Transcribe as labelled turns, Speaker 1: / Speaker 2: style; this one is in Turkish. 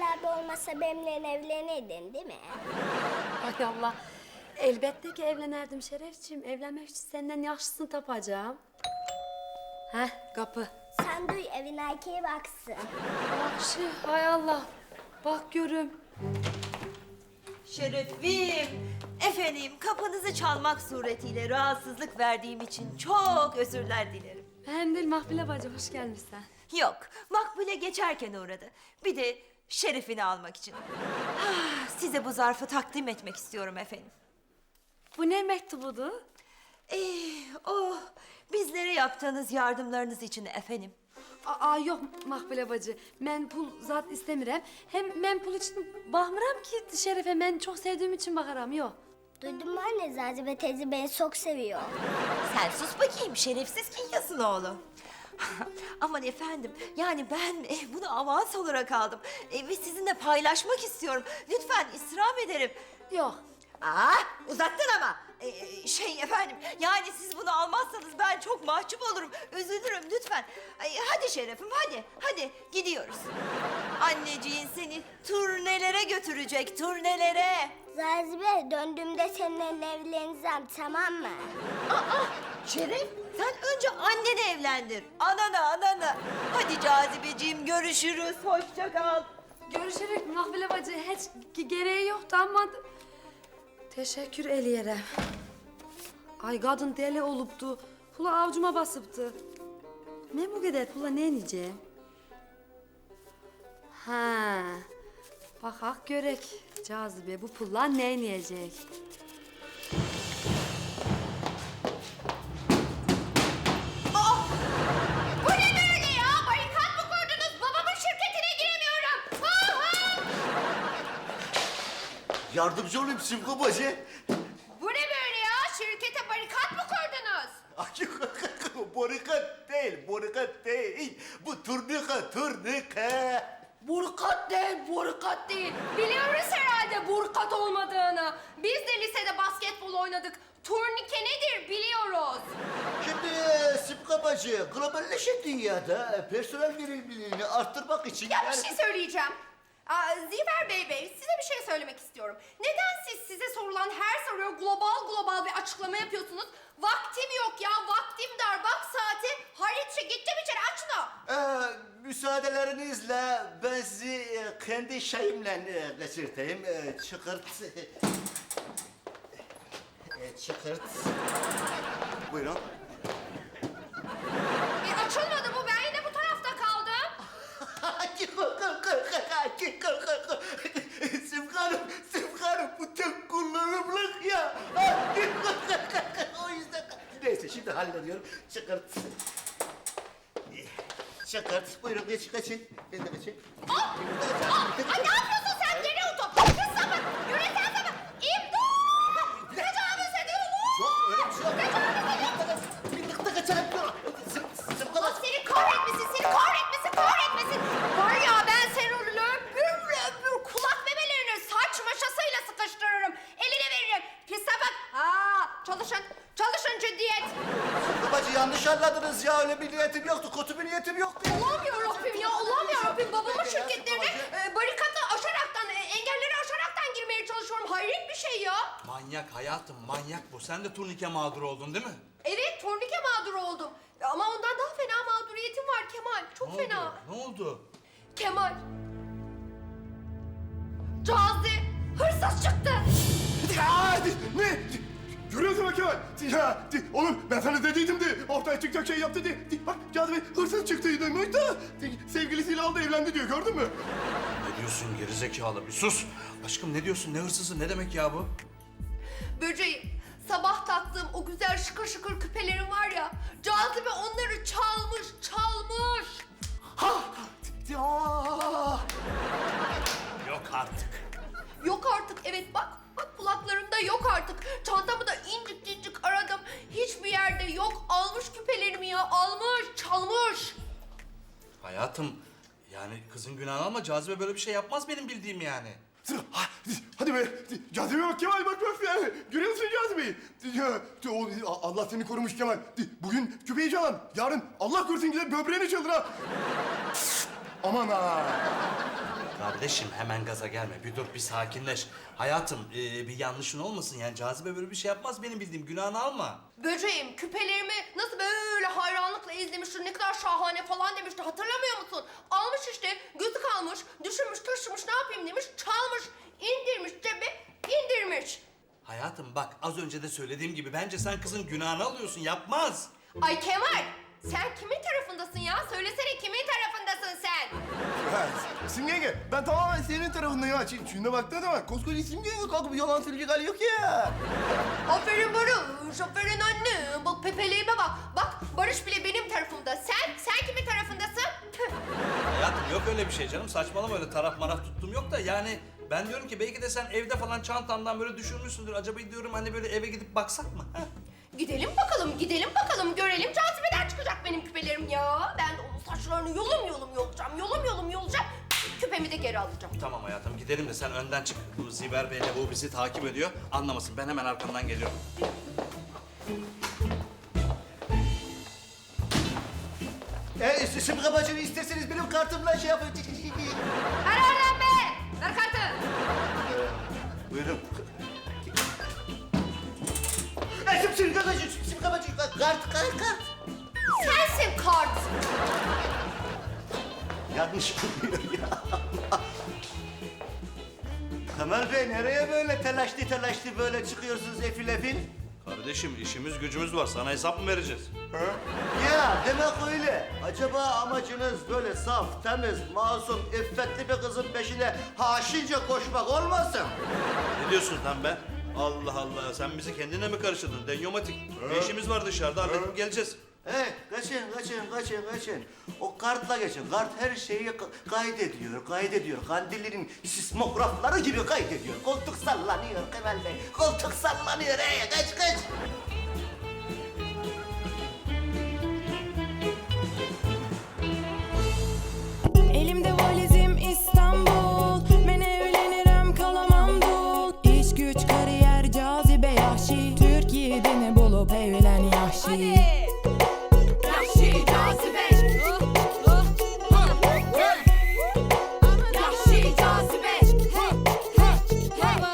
Speaker 1: abi olmasa benimle evlenirdin değil mi?
Speaker 2: Hay Allah. Elbette ki evlenirdim Şerefciğim. Evlenmek için senden yaşlısını tapacağım. Heh, kapı.
Speaker 1: Sen duy evin erkeği baksın.
Speaker 2: Akşı, hay Allah. Bak görüm.
Speaker 3: Şerefim, efendim kapınızı çalmak suretiyle rahatsızlık verdiğim için çok özürler dilerim.
Speaker 2: Hem değil Mahfile bacı, hoş gelmişsin.
Speaker 3: Yok, Makbule geçerken uğradı. Bir de şerefini almak için. Size bu zarfı takdim etmek istiyorum efendim.
Speaker 2: Bu ne mektubudu?
Speaker 3: O bizlere yaptığınız yardımlarınız için efendim.
Speaker 2: Aa yok Mahfile bacı. Ben pul zat istemirem. Hem ben pul için bakmıram ki Şerefe. Ben çok sevdiğim için bakarım, yok.
Speaker 1: Duydun mu anne? Zazibe teyze beni çok seviyor.
Speaker 3: Sen sus bakayım, şerefsiz Kinyas'ın oğlu. Aman efendim, yani ben bunu avans olarak aldım. Ve sizinle paylaşmak istiyorum. Lütfen istirham ederim.
Speaker 2: Yok.
Speaker 3: Uzattın ama. Efendim, yani siz bunu almazsanız ben çok mahcup olurum. Üzülürüm lütfen. Hadi şerefim, hadi gidiyoruz. Anneciğin seni turnelere götürecek, turnelere.
Speaker 1: Zazibe döndüğümde seninle evleneceğim, tamam mı?
Speaker 3: Şeref, sen önce anneni evlendir. Ananı. Hadi Cazibeciğim, görüşürüz. Hoşça kal.
Speaker 2: Görüşerek Mahfile bacı. Hiç gereği yoktu ama... Teşekkür eleyerem. Ay kadın deli oluptu. Pula avcuma basıptı. Ne bu kadar pula ne yiyeceğim? Ha. Bakak görek. Cazibe bu pulla ne yiyecek?
Speaker 4: Bu ne böyle ya? Barikat mı kurdunuz? Babamın şirketine giremiyorum.
Speaker 5: Yardımcı olayım Simko bacı.
Speaker 4: Bu ne böyle ya? Şirkete barikat mı kurdunuz?
Speaker 5: Barikat değil. Bu turnika.
Speaker 4: Burkat değil. Biliyoruz herhalde burkat olmadığını. Biz de lisede basketbol oynadık. Turnike nedir biliyoruz.
Speaker 5: Şimdi Simko bacı, globalleşen dünyada personel verimliliğini arttırmak için...
Speaker 4: Ya bir şey söyleyeceğim. Ziver Bey, size bir şey söylemek istiyorum. Neden size sorulan her soruya global bir açıklama yapıyorsunuz? Vaktim yok ya, vaktim dar. Bak saati, Halitçe gitti bir kere, aç şunu.
Speaker 5: Müsaadelerinizle ben sizi kendi şeyimle geçirteyim. Çıkırt. Çıkırt. Buyurun.
Speaker 4: Açılmadı bu, ben yine bu tarafta kaldım.
Speaker 5: Simkanım bu tek kullanımlık ya. O yüzden... Neyse şimdi hallediyorum. Çıkart. Çıkart. Buyurun geçin. Ben de geçeyim.
Speaker 4: Ay ne yapıyorsun sen, geri otur. Kız sapık, yüreten sapık. İmdat! Tecavüz ediyorlar.
Speaker 5: Yok öyle bir şey yok. Bir kaçarım.
Speaker 4: Allah seni kahretmesin. Var ya ben seni lömbür kulak memelerini saç maşasıyla sıkıştırırım. Eline veririm. Pis sapık. Çalışın ciddiyet.
Speaker 5: Babacı yanlış anladınız ya. Öyle bir niyetim yoktu. Kötü bir niyetim yoktu.
Speaker 4: Allah'ım yarabbim. Babamın şirketlerine barikatı aşaraktan, engelleri aşaraktan girmeye çalışıyorum. Hayret bir şey ya.
Speaker 6: Manyak hayatım, manyak bu. Sen de turnike mağduru oldun değil mi?
Speaker 4: Evet, turnike mağduru oldum. Ama ondan daha fena mağduriyetim var Kemal. Çok fena.
Speaker 6: Ne oldu?
Speaker 4: Kemal. Cazi hırsız çıktı.
Speaker 7: Ne? Görüyorsun bak Kemal. Ya, oğlum ben sana dediydim de ortaya çıkacak şey yaptı diye. Bak Cazibe hırsız çıktıydı da sevgilisiyle aldı evlendi diyor, gördün mü?
Speaker 6: Ne diyorsun gerizekalı? Bir sus. Aşkım ne diyorsun? Ne hırsızı? Ne demek ya bu?
Speaker 4: Böceğim, sabah taktığım o güzel şıkır şıkır küpelerim var ya, Cazibe onları çalmış.
Speaker 7: Ya.
Speaker 6: Yok artık.
Speaker 4: Yok artık, evet bak kulaklarımda yok artık. Çantamı da incik aradım. Hiçbir yerde yok. Almış küpelerimi ya, çalmış.
Speaker 6: Hayatım, yani kızın günahını alma. Cazibe böyle bir şey yapmaz benim bildiğim yani.
Speaker 7: Hadi be. Cazibe bak Kemal, bak yani. Görüyor musun Cazibe'yi? Ya, Allah seni korumuş Kemal. Bugün küpeyi çalan, yarın Allah korusun gider böbreğini çalır ha. Aman ha.
Speaker 6: Kardeşim hemen gaza gelme. Bir dur, bir sakinleş. Hayatım bir yanlışın olmasın yani. Cazibe böyle bir şey yapmaz benim bildiğim. Günahını alma.
Speaker 4: Böceğim küpelerimi nasıl böyle hayranlıkla izlemişti, ne kadar şahane falan demişti, hatırlamıyor musun? Almış işte, gözü kalmış, düşünmüş, taşımış, ne yapayım demiş, çalmış, indirmiş cebe, indirmiş.
Speaker 6: Hayatım bak, az önce de söylediğim gibi bence sen kızın günahını alıyorsun. Yapmaz.
Speaker 4: Ay Kemal, sen kimin tarafındasın ya? Söylesene kimin tarafındasın sen?
Speaker 7: Ha, Simge yenge, ben tamamen senin tarafındayım ha. Şuna baktığına da bak, koskoca Simge yenge kalkıp yalan söyleyecek hali yok ya.
Speaker 4: Aferin Barış, aferin anne. Bak pepeleğime bak. Bak Barış bile benim tarafımda. Sen kimin tarafındasın? Tüh.
Speaker 6: Hayatım yok öyle bir şey canım. Saçmalama, öyle taraf maraf tuttum yok da yani... Ben diyorum ki belki de sen evde falan çantandan böyle düşürmüşsündür. Acaba diyorum hani böyle eve gidip baksak mı? Ha?
Speaker 4: Gidelim bakalım, görelim. Cazibeden çıkacak benim küpelerim ya. Ben de onun saçlarını yolum yolacağım. Küpemi de geri alacağım.
Speaker 6: Tamam hayatım gidelim de sen önden çık. Bu Ziver Bey'le bu bizi takip ediyor. Anlamasın, ben hemen arkamdan geliyorum.
Speaker 5: Simge bacı isterseniz benim kartımla şey yapın.
Speaker 2: Ver oradan be! Ver kartı!
Speaker 5: Buyurun. Simge bacı, kart.
Speaker 4: Sensin kart.
Speaker 5: Yanlış buluyor ya. Kemal Bey nereye böyle telaşlı böyle çıkıyorsunuz efil efil?
Speaker 6: Kardeşim işimiz gücümüz var. Sana hesap mı vereceğiz?
Speaker 5: Ya demek öyle. Acaba amacınız böyle saf, temiz, masum, iffetli bir kızın peşine haşince koşmak olmasın?
Speaker 6: Ne diyorsun lan be? Allah Allah, sen bizi kendine mi karıştırdın? Denyomatik. Bir işimiz var dışarıda, halledip geleceğiz.
Speaker 5: Kaçın. O kartla geçin. Kart her şeyi kaydediyor. Kandilinin sismografları gibi kaydediyor. Koltuk sallanıyor Kemal Bey. Koltuk sallanıyor. Kaç.